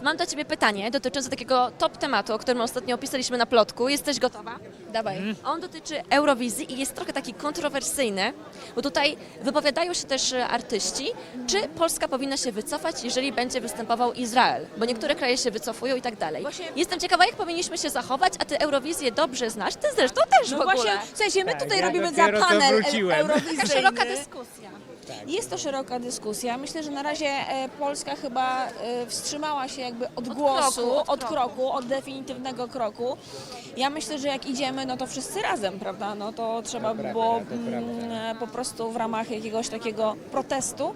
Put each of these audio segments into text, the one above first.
Mam do Ciebie pytanie dotyczące takiego top tematu, o którym ostatnio opisaliśmy na plotku. Jesteś gotowa? Dawaj. On dotyczy Eurowizji i jest trochę taki kontrowersyjny, bo tutaj wypowiadają się też artyści, czy Polska powinna się wycofać, jeżeli będzie występował Izrael, bo niektóre kraje się wycofują i tak dalej. Jestem ciekawa, jak powinniśmy się zachować, a Ty Eurowizję dobrze znasz, Ty zresztą też w ogóle. Właśnie, w sensie my Tak, tutaj ja robimy za dopiero co panel wróciłem. eurowizyjny. Taka szeroka dyskusja. Jest to szeroka dyskusja. Myślę, że na razie Polska chyba wstrzymała się jakby od głosu, od kroku, od definitywnego kroku. Ja myślę, że jak idziemy, no to wszyscy razem, prawda? No to trzeba by było po prostu w ramach jakiegoś takiego protestu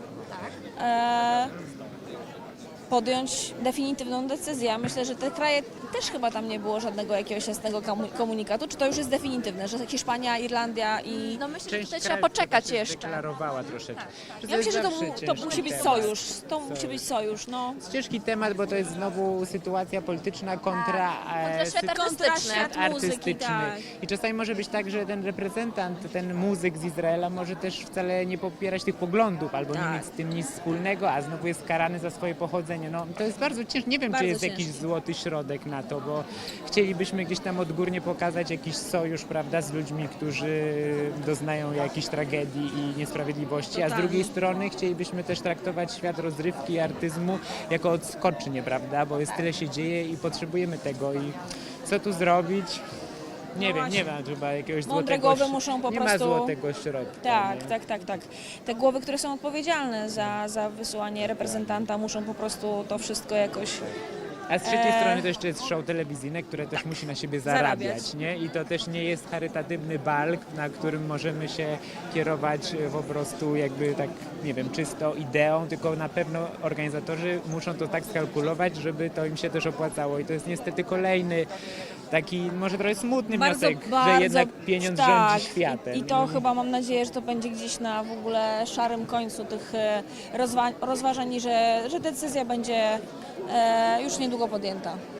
podjąć definitywną decyzję. Ja myślę, że te kraje też chyba tam nie było żadnego jakiegoś jasnego komunikatu. Czy to już jest definitywne, że Hiszpania, Irlandia i... No myślę, że Część tutaj trzeba krajów poczekać się jeszcze. deklarowała troszeczkę. Ja myślę, że to zawsze musi być ciężki sojusz. temat. To musi być sojusz, no. Ciężki temat, bo to jest znowu sytuacja polityczna kontra świat artystyczny. Świat muzyki, artystyczny. tak. I czasami może być tak, że ten reprezentant, ten muzyk z Izraela może też wcale nie popierać tych poglądów, albo nie mieć z tym nic wspólnego, a znowu jest karany za swoje pochodzenie. No, to jest bardzo ciężkie. Nie wiem, Bardzo czy jest ciężkie. jakiś złoty środek na to, bo chcielibyśmy gdzieś tam odgórnie pokazać jakiś sojusz, prawda, z ludźmi, którzy doznają jakiejś tragedii i niesprawiedliwości, a z drugiej strony chcielibyśmy też traktować świat rozrywki i artyzmu jako odskocznie, prawda, bo jest tyle się dzieje i potrzebujemy tego i co tu zrobić? Nie wiem, nie ma chyba jakiegoś Mądre złotego... głowy muszą po nie prostu... ma złotego środka. Tak, nie? tak. Te głowy, które są odpowiedzialne za wysyłanie reprezentanta, muszą po prostu to wszystko jakoś... A z trzeciej strony to jeszcze jest show telewizyjne, które też musi na siebie zarabiać, Zarabiać. nie? I to też nie jest charytatywny bal, na którym możemy się kierować po prostu jakby tak, nie wiem, czysto ideą, tylko na pewno organizatorzy muszą to tak skalkulować, żeby to im się też opłacało. I to jest niestety kolejny taki może trochę smutny wniosek, że jednak pieniądz rządzi światem. I to chyba mam nadzieję, że to będzie gdzieś na w ogóle szarym końcu tych rozważań i że decyzja będzie już niedługo podjęta.